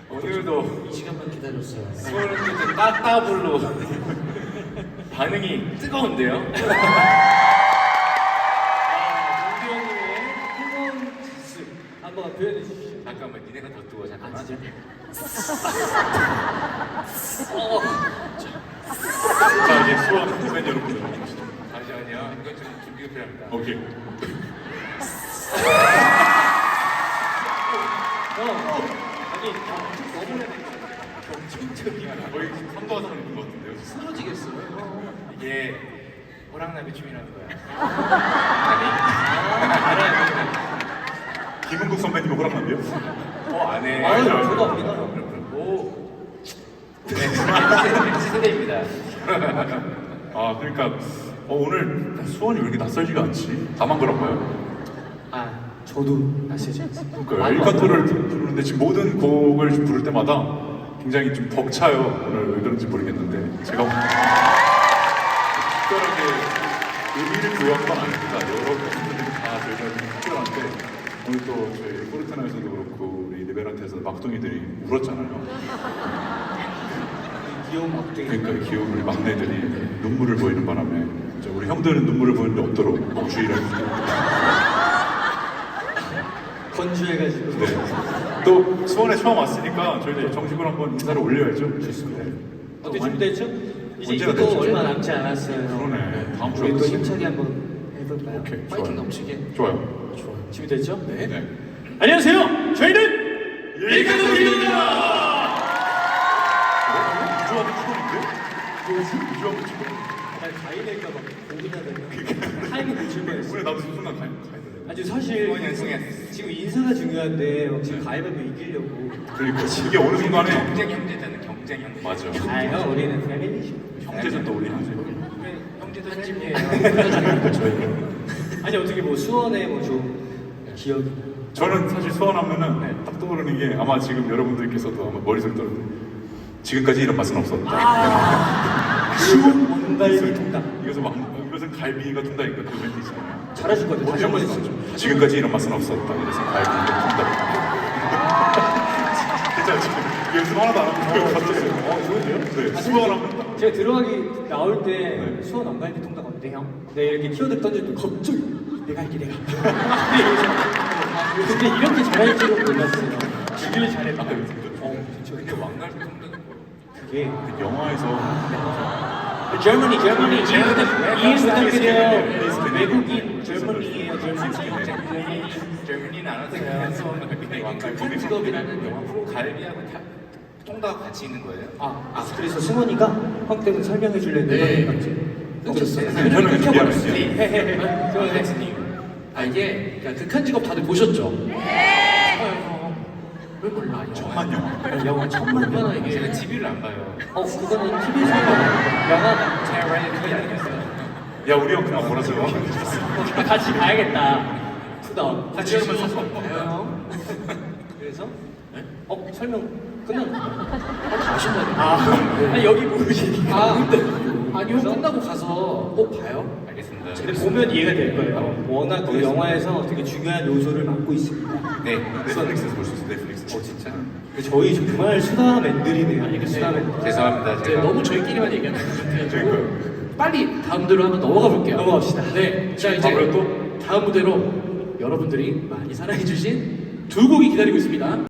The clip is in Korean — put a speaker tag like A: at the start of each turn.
A: 오늘도
B: 이 시간만 기다렸어요.
A: 수원은 따따블로 반응이 뜨거운데요?
B: 정규현님의 뜨거운 기습 한번 표현해 주시죠.
A: 잠깐만, 니네가 더 뜨거워. 잠깐만.
B: 진짜?
C: 자, 이제 수원 팬 여러분들.
A: 잠시만요. 이건 좀 준비가 필요합니다.
C: 오케이.
B: 아니 너무
A: 경쟁적이야.
C: 거의 선도화상을 입은 것 같은데요.
B: 쓰러지겠어요.
A: 이게 호랑나비 춤이라는 거야.
C: 김은국 선배님 호랑나비요?
A: 안 해.
B: 아유, 저도 압니다.
A: 오. 네, 세대입니다.
C: 아, 그러니까 오늘 수원이 왜 이렇게 낯설지가 않지? 다만 그런가요?
B: 아 저도 낯설지 않습니다.
C: 그러니까 엘카토를 부르는데 지금 모든 곡을 부를 때마다 굉장히 좀 벅차요. 오늘 왜 그런지 모르겠는데 제가 특별하게 의미를 부여한 건 아닙니다. 여러 분들이 다 저희가 좀 특별한데 오늘 또 저희 포르테나에서도 그렇고 우리 리베란테에서 막둥이들이 울었잖아요.
B: 귀여운 막둥이.
C: 그러니까 귀여운 우리 막내들이 눈물을 보이는 바람에 이제 우리 형들은 눈물을 보이는 데 없도록 주의를
B: 건조해가지고.
C: 네. 또 수원에 처음 왔으니까 저희도 정식으로 한번 인사를 올려야죠.
B: 좋습니다. 어떻게 준비됐죠? 이제
C: 언제가
B: 이것도
C: 됐죠?
B: 얼마 남지 않았어요.
C: 그러네. 다음 주에
B: 우리 또
C: 끝이네.
B: 힘차게 한번 해볼까요?
C: 오케이,
B: 파이팅
C: 좋아요.
B: 넘치게.
C: 좋아요.
B: 좋아요. 준비됐죠? 네.
C: 네.
B: 안녕하세요. 저희는
C: 일가족입니다. 유주하고 추건인데? 유주하고 추건.
B: 가이될까봐 고민하다가 타이밍 놓칠 뻔했어.
C: 오늘 나도 순간 가야 돼.
B: 아주 사실
A: 수원 연승했어.
B: 지금 인사가 중요한데 지금 가위바위보 이기려고.
C: 그러니까 이게 어느 순간에
A: 경쟁 형제잖아. 경쟁 형제.
C: 맞아.
B: 아형 우리는 패밀리죠.
C: 형제전 떠올리는 거지.
A: 형제도 한
B: 그러니까 저희는. 아니 어떻게 뭐 수원에 뭐 좀 기억이.
C: 저는 사실 수원하면은 딱 떠오르는 게 아마 지금 여러분들께서도 아마 머릿속에 떠오르는 지금까지 이런 맛은 없었다.
B: 수원 원갈비 통닭.
C: 이것은 갈비가 통닭인가 그 멘트 있잖아요.
B: 잘하실 것 같아요. 다시 한번
C: 어디서
B: 해주세요.
C: 지금까지 이런 맛은 없었다. 이래서 갈비가 통닭. 진짜 지금 연습 하나도 안 하고 갑자기
B: 좋은데요?
C: 네, 수원하면
B: 제가 들어가기 나올 때
C: 네.
B: 수원 원갈비 통닭 어때 형? 내가 이렇게 키워드 던질 때 갑자기 내가 할게 내가. 근데 이렇게 잘할 줄은 몰랐어요. 되게 잘했다.
A: 진짜 근데 왕갈비 통닭
B: 그게
C: 영화에서
B: Germany 이해부탁드려요.
C: 네.
B: 외국인 Germany예요.
A: 젊은이는 알았어요.
B: 극한 직업이라는 영화 프로.
A: 갈비하고 통닭 같이 있는 거예요?
B: 그래서 승원이가 형 때문에 설명해 줄래 내가
A: 끊겼어요.
C: 설명해 줄게요.
A: 끊겼어요.
D: 아 이게 그러니까 극한 직업 다들 보셨죠? 왜 몰라?
C: 천만 영화.
B: 영화 천만
D: 얼마나
B: 원.
D: 이게
A: 제가 TV를 안 봐요.
B: 그거는 TV에서 영화다.
A: 제가 원래 그게 아니었어요.
C: 야 우리 형 그냥 몰아서
B: 같이 가야겠다. 투다운.
A: 같이 하면 사서
B: 그래서 설명 끝난 거.
D: 다 아신다니까.
B: 아니 여기 모르시니.
D: 아니요 끝나고 가서 꼭 봐요.
A: 알겠습니다.
B: 근데 보면 이해가 될 거예요. 워낙 그 영화에서 되게 중요한 요소를 맡고 있습니다.
A: 네.
C: 넷플릭스에서 볼 수 있어. 넷플릭스.
A: 진짜?
B: 저희 정말 수다맨들이네요. 알겠습니다.
A: 죄송합니다.
D: 네,
A: 제가
D: 너무 저희끼리만 얘기하는 것 같아요.
C: 그러니까요.
D: 빨리 다음 무대로 한번 넘어가 볼게요.
B: 넘어갑시다.
D: 네, 자 이제
C: 바로 또
D: 다음 무대로 여러분들이 많이 사랑해주신 두 곡이 기다리고 있습니다.